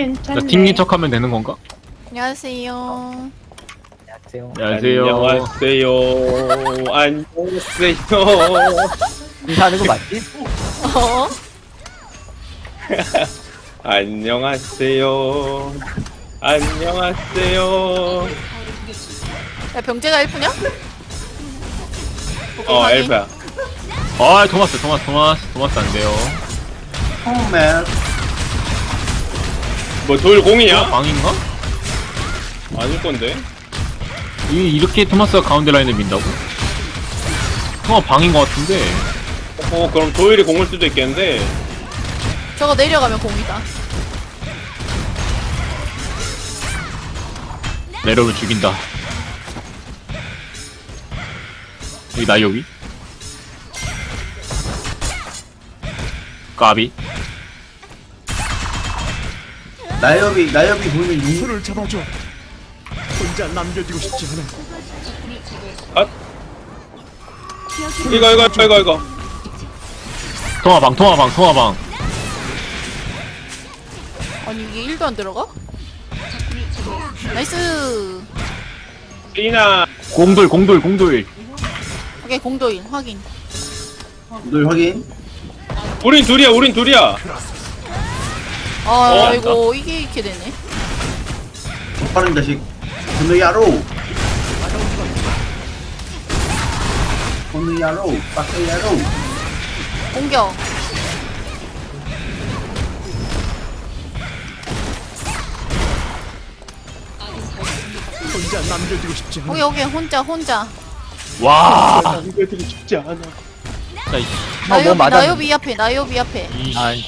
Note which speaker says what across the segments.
Speaker 1: 괜찮네.
Speaker 2: 튕긴 척하면 되는 건가?
Speaker 3: 안녕하세요.
Speaker 1: 안녕하세요.
Speaker 2: 안녕하세요.
Speaker 4: 안녕하세요.
Speaker 1: 인사하는 거 맞지?
Speaker 3: 어?
Speaker 4: 안녕하세요. 안녕하세요.
Speaker 3: 야, 병재가 엘프냐?
Speaker 4: 엘프야.
Speaker 2: 아, 토마스 안 돼요.
Speaker 5: 홈맨.
Speaker 4: 뭐 돌공이야?
Speaker 2: 방인가?
Speaker 4: 아닐 건데.
Speaker 2: 이렇게 토마스가 가운데 라인을 민다고? 방인 것 같은데.
Speaker 4: 그럼 도일이 공을 수도 있겠는데.
Speaker 3: 저거 내려가면 공이다.
Speaker 2: 내려오면 죽인다. 여기 나요비? 까비?
Speaker 5: 나엽이 보이면 용.
Speaker 6: 손을 잡아줘. 혼자 남겨두고 싶지 않아.
Speaker 4: 아. 이거.
Speaker 2: 통화방.
Speaker 3: 아니 이게 1도 안 들어가? 나이스.
Speaker 4: 리나.
Speaker 2: 공돌.
Speaker 3: 오케이 공도일 확인.
Speaker 5: 늘 확인.
Speaker 4: 우린 둘이야.
Speaker 3: 아 이거 이게 이렇게 되네.
Speaker 5: 빠른 자식. 건너야로. 빡세야로.
Speaker 3: 공격.
Speaker 6: 혼자 남겨두고 싶지 않아.
Speaker 3: 오케이 혼자.
Speaker 2: 와!
Speaker 4: 남겨두고 싶지 않아.
Speaker 2: 진짜,
Speaker 1: 뭐 맞았는데.
Speaker 3: 나요비 앞에.
Speaker 1: 아이,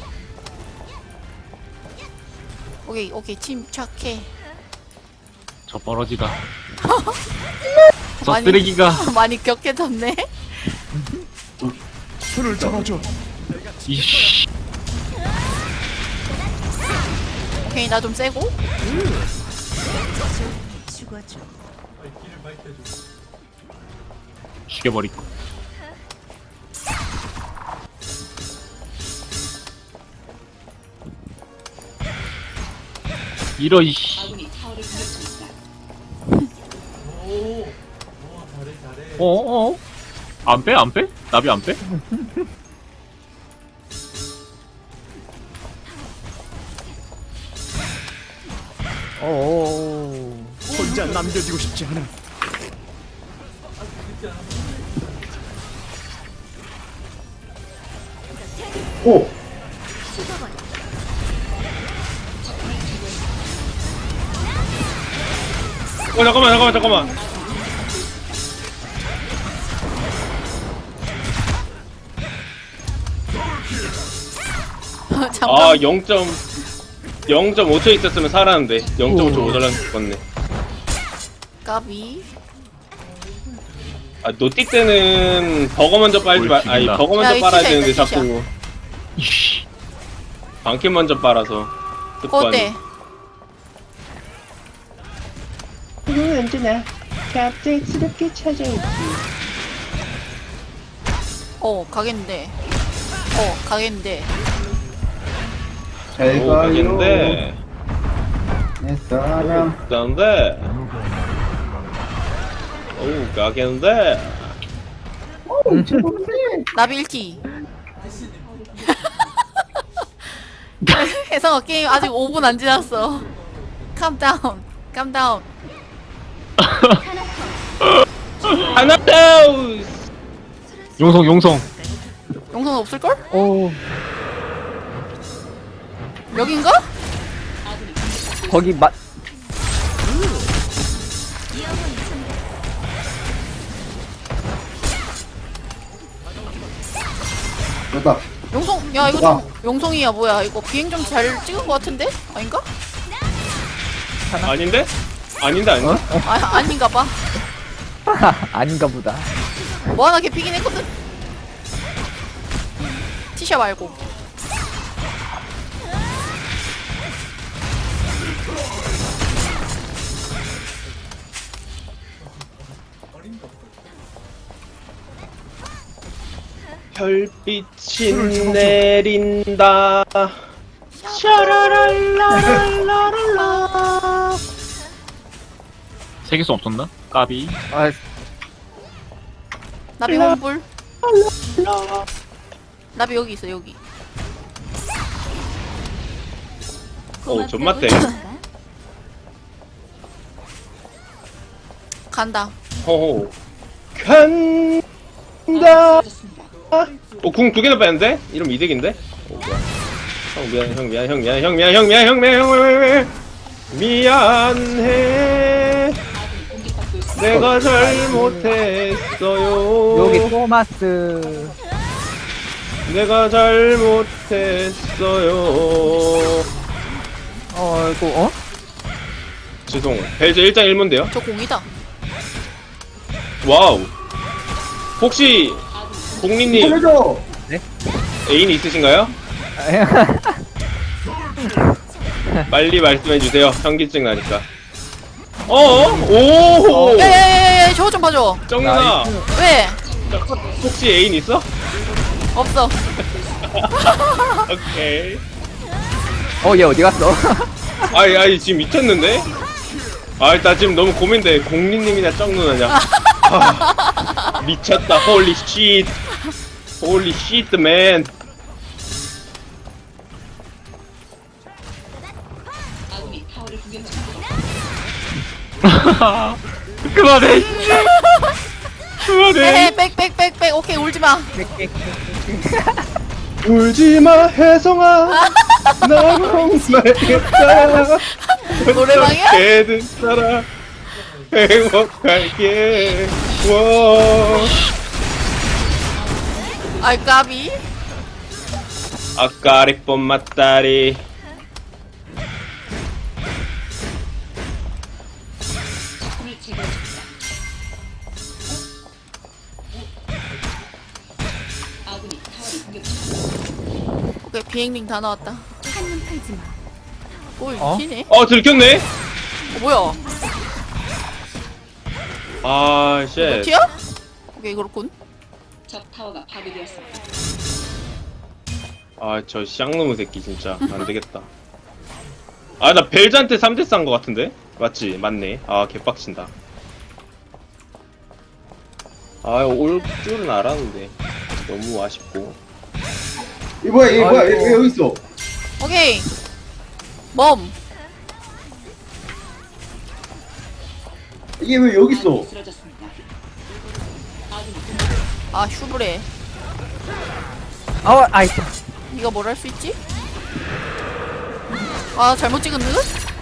Speaker 3: 오케이 침착해.
Speaker 2: 저 버러지가. 저
Speaker 3: 많이-
Speaker 2: 쓰레기가.
Speaker 3: 많이 격해졌네.
Speaker 6: 손을 잡아줘.
Speaker 2: 이씨.
Speaker 3: 오케이 나 좀 세고.
Speaker 2: 죽여버리고. 이씨. 안 빼? 나비 안 빼?
Speaker 1: 오.
Speaker 6: 혼자 남겨두고 싶지 않아.
Speaker 5: 오.
Speaker 4: 잠깐만.
Speaker 3: 잠깐.
Speaker 4: 0.5초 있었으면 살았는데 0.5초 모자란 죽었네.
Speaker 3: 까비.
Speaker 4: 노티 때는 버거 먼저 빨지 말, 아니
Speaker 2: 죽인다.
Speaker 4: 버거
Speaker 3: 야,
Speaker 4: 먼저
Speaker 3: 이
Speaker 4: 빨아야
Speaker 3: 티샷
Speaker 4: 되는데
Speaker 3: 있다,
Speaker 4: 자꾸
Speaker 2: 이씨.
Speaker 4: 방캠 먼저 빨아서 습관이.
Speaker 3: 어때?
Speaker 1: 이거 언제나 갑작스럽게 찾아오지.
Speaker 3: 가겠는데.
Speaker 5: 잘
Speaker 4: 오,
Speaker 5: 가요.
Speaker 4: 가겠는데.
Speaker 5: 내 사랑.
Speaker 4: 가겠는데. 오, 가겠는데.
Speaker 3: 나비 1티. 혜성아 게임 아직 5분 안 지났어. 캄다운.
Speaker 4: 하나 더.
Speaker 2: 용성.
Speaker 3: 용선 없을걸?
Speaker 1: 오,
Speaker 3: 여긴가?
Speaker 1: 거기
Speaker 5: 됐다.
Speaker 3: 용성 야 이거 좀 용성이야 뭐야 이거 비행 좀 잘 찍은 거 같은데? 아닌가?
Speaker 4: 아닌데? 아닌데.
Speaker 3: 아닌가 봐.
Speaker 1: 아닌가 보다.
Speaker 3: 뭐 하나 개피긴 했거든? 티셔 말고.
Speaker 4: 별빛이 내린다.
Speaker 2: 세계수 없었나? 까비.
Speaker 1: 아,
Speaker 3: 나비 홍불. 나비 여기 있어 여기.
Speaker 4: 존맛대.
Speaker 3: 간다.
Speaker 4: 호호. 간다. 궁 2개나 뺐는데? 이러면 이득인데? 뭐야. 형 미안, 형 미안, 형 미안, 형 미안, 형 미안, 형 미안, 형 미안. 미안해. 내가 잘못했어요.
Speaker 1: 여기 토마스.
Speaker 4: 내가 잘못했어요.
Speaker 1: 이거, 어?
Speaker 4: 죄송. 벨저 1장 1문데요?
Speaker 3: 저 공이다.
Speaker 4: 와우. 혹시 공리님
Speaker 5: 살려줘.
Speaker 4: 애인 있으신가요? 빨리 말씀해 주세요. 현기증 나니까. 오.
Speaker 3: 야야야야 저거 좀 봐줘.
Speaker 4: 정윤아.
Speaker 3: 왜?
Speaker 4: 혹시 애인 있어?
Speaker 3: 없어.
Speaker 4: 오케이.
Speaker 1: 얘 어디 갔어?
Speaker 4: 아이 지금 미쳤는데? 나 지금 너무 고민돼. 공리님이나 정누나냐? 미쳤다. 홀리 쉿. 홀리 쉿 맨.
Speaker 2: 그만해. 그만해.
Speaker 3: 에헤 빽빽빽빽 오케이 울지마.
Speaker 4: 울지마 혜성아. 난 홍말겠다.
Speaker 3: 노래방이야?
Speaker 4: 어떻게든 살아. 행복할게. 와.
Speaker 3: 아이 까비.
Speaker 4: 아까리 뽐맞다리.
Speaker 3: 오케이 비행링 다 나왔다. 오
Speaker 1: 어?
Speaker 3: 튀네.
Speaker 4: 들켰네.
Speaker 3: 뭐야?
Speaker 4: 아, 쉣.
Speaker 3: 튀야? 오케이 그렇군.
Speaker 4: 저 쌍놈의 새끼 진짜 안 되겠다. 나 벨자한테 3대 싼 거 같은데? 맞지? 맞네. 개빡친다. 올 줄은 알았는데 너무 아쉽고.
Speaker 5: 이 뭐야, 얘 뭐야, 얘 여기 있어.
Speaker 3: 오케이. 멈.
Speaker 5: 이게 왜 여기 있어?
Speaker 3: 아 슈브레.
Speaker 1: 아이,
Speaker 3: 네가 뭘 할 수 있지? 아 잘못 찍은 듯?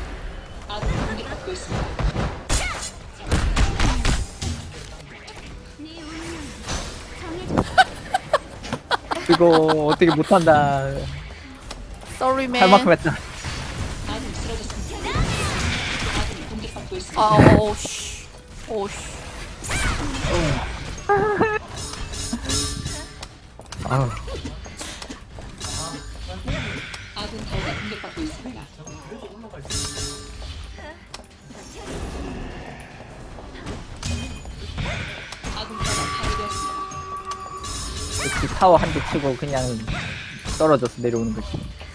Speaker 1: 이거 어떻게 못한다.
Speaker 3: Sorry
Speaker 1: 할 만큼
Speaker 3: man.
Speaker 1: 했다.
Speaker 3: 오씨. 오씨.
Speaker 1: 아우. 역시 타워 한 대 치고 그냥 떨어져서 내려오는 거지.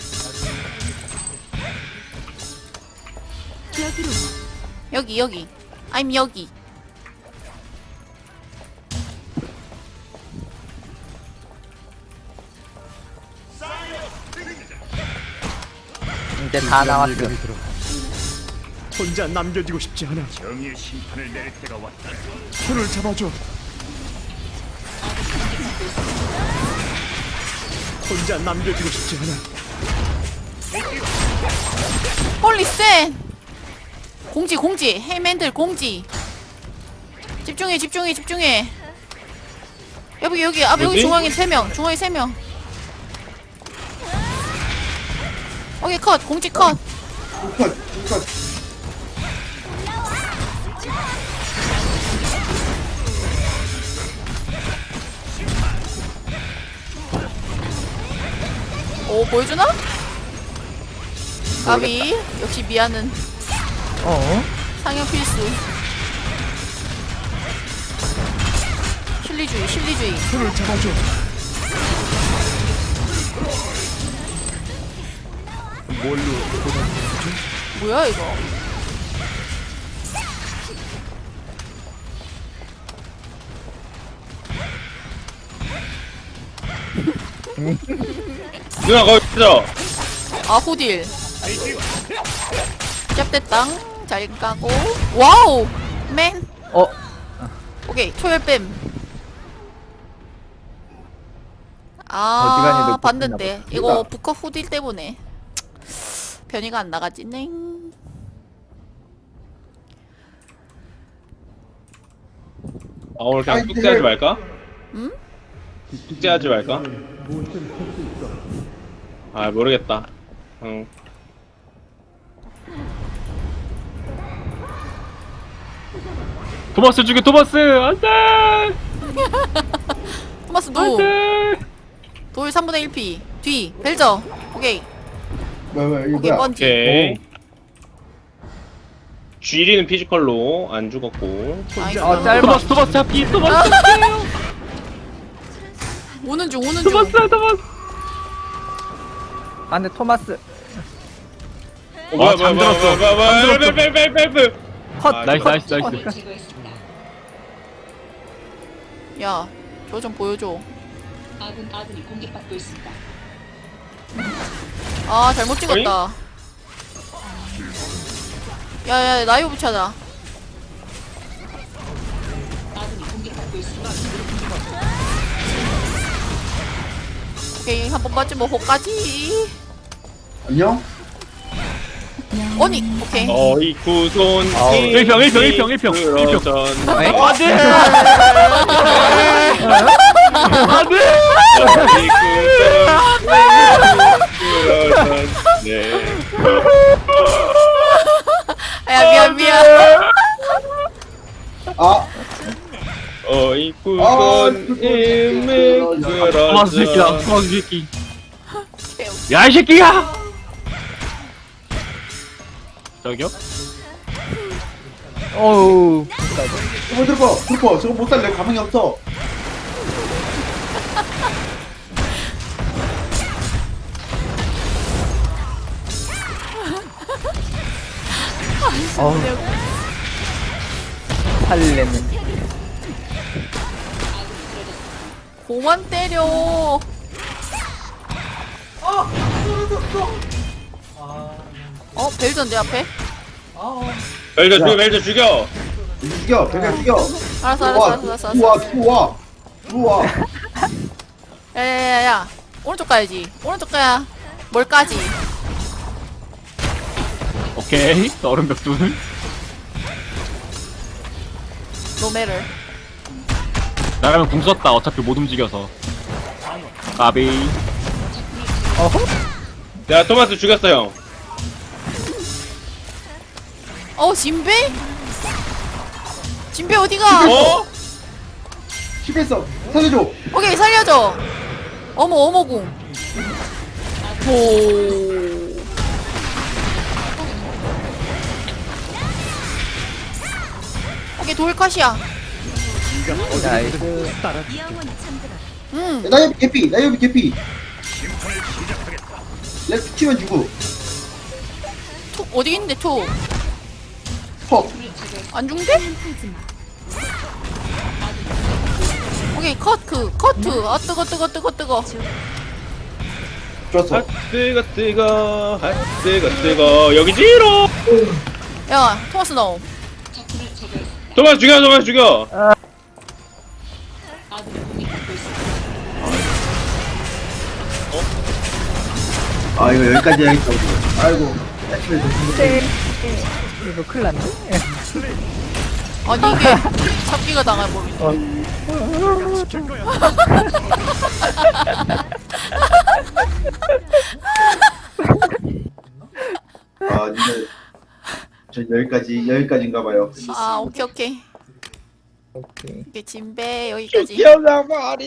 Speaker 3: 여기. I'm 여기.
Speaker 1: 이제 다 나왔어.
Speaker 6: 혼자 남겨지고 싶지 않아. 정의의 심판을 내릴 때가 왔다. 손을 잡아줘. 혼자 남겨지고 싶지 않아.
Speaker 3: 홀리 센. 공지. 헤이맨들 공지. 집중해. 여기 여기
Speaker 4: 뭐지?
Speaker 3: 중앙에 3명. 오케이 컷. 공지 컷.
Speaker 5: 컷.
Speaker 3: 오 보여주나? 까비. 역시 미아는 상향 필수. 실리주의.
Speaker 6: 손을 잡아줘.
Speaker 3: 뭐야 이거?
Speaker 4: 누나 거기 있어.
Speaker 3: 아 호딜. 짭됐당. 잘 까고. 와우. 맨.
Speaker 1: 어?
Speaker 3: 오케이 초열뱀.
Speaker 1: 어지간히
Speaker 3: 아
Speaker 1: 놓고
Speaker 3: 봤는데
Speaker 1: 끝나
Speaker 3: 이거 부커 후딜 때문에 변이가 안 나가지 네.
Speaker 4: 아 오늘 그냥
Speaker 5: 아이,
Speaker 4: 숙제하지 말까?
Speaker 3: 응?
Speaker 4: 숙제하지 말까? 아 모르겠다. 응.
Speaker 2: 토마스 죽여 토마스 안돼
Speaker 3: 토마스 노.
Speaker 2: 안돼.
Speaker 3: 돌 3분의 1피. 뒤 벨저. 오케이.
Speaker 5: 뭐야 이거
Speaker 3: 오케이
Speaker 5: 뭐야?
Speaker 3: 번지.
Speaker 4: 오케이. 쥐리는 피지컬로 안 죽었고.
Speaker 3: 나이스.
Speaker 1: 아, 짧아.
Speaker 2: 토마스 잡기 토마스
Speaker 3: 오는 중 오는 중.
Speaker 2: 토마스 토마스.
Speaker 1: 아 근데 토마스
Speaker 4: 뭐야
Speaker 2: 잠들었어.
Speaker 4: 뭐야
Speaker 1: 컷!
Speaker 4: 아,
Speaker 2: 나이스
Speaker 1: 컷,
Speaker 2: 나이스
Speaker 1: 컷.
Speaker 2: 나이스.
Speaker 3: 야, 저 좀 보여줘.
Speaker 7: 아군이 공격받고 있습니다.
Speaker 3: 아, 잘못 찍었다. 야, 나이오 붙여자.
Speaker 7: 아군이 공격받고 있습니다.
Speaker 3: 오케이, 한 번 맞으면 호까지.
Speaker 5: 안녕?
Speaker 3: 언니, 오케이.
Speaker 4: 어이 구손
Speaker 1: 아우.
Speaker 2: 일평, 일평.
Speaker 4: 그러전
Speaker 1: 아이?
Speaker 2: 안돼 안돼.
Speaker 4: 어이 구손 그러전 네
Speaker 3: 야, 미안.
Speaker 5: 아
Speaker 4: 어이 구손 임을
Speaker 2: 토마스 새끼다
Speaker 4: 그러전
Speaker 2: 토마스 새끼. 야 이 새끼야. 저기요?
Speaker 1: 어우
Speaker 5: 들어봐 저거 못 살래 가망이 없어.
Speaker 1: 어우 살리는
Speaker 3: 고만 때려. 벨전 내 앞에?
Speaker 4: 벨저 죽여
Speaker 5: 죽여 배가 죽여.
Speaker 3: 알았어.
Speaker 5: 들어와.
Speaker 3: 야. 오른쪽 가야지. 오른쪽 가야. 뭘 까지?
Speaker 2: 오케이. 얼음 벽돌.
Speaker 3: 노매를.
Speaker 2: 나가면 궁 썼다. 어차피 못 움직여서. 까비.
Speaker 1: 어허?
Speaker 4: 야 토마스 죽였어 형
Speaker 3: 진배? 진배 어디가?
Speaker 4: 어?
Speaker 5: 실패했어. 살려줘.
Speaker 3: 오케이 살려줘. 어머궁. 오. 오케이 돌컷이야.
Speaker 1: 나이스
Speaker 5: 나이오비 개피. 렉 치면 주고.
Speaker 3: 톡 어디 있는데 톡?
Speaker 5: 퍽.
Speaker 3: 안 중대? 오케이 커트. 아 뜨거.
Speaker 5: 좋았어.
Speaker 4: 뜨거 여기지로
Speaker 3: 야 토마스 너.
Speaker 4: 토마스 죽여
Speaker 7: 아군이 공격받고 있습니다.
Speaker 5: 아 이거 여기까지 해야겠다 우리. 아이고. 아침에 더
Speaker 1: 이거 큰일 났네
Speaker 3: 아니 이게 잡기가 당해버리네.
Speaker 5: 아 근데 전 여기까지인가 봐요.
Speaker 3: 아 오케이.
Speaker 1: 오케이
Speaker 3: 이게 진배 여기까지.
Speaker 4: 기억나 말이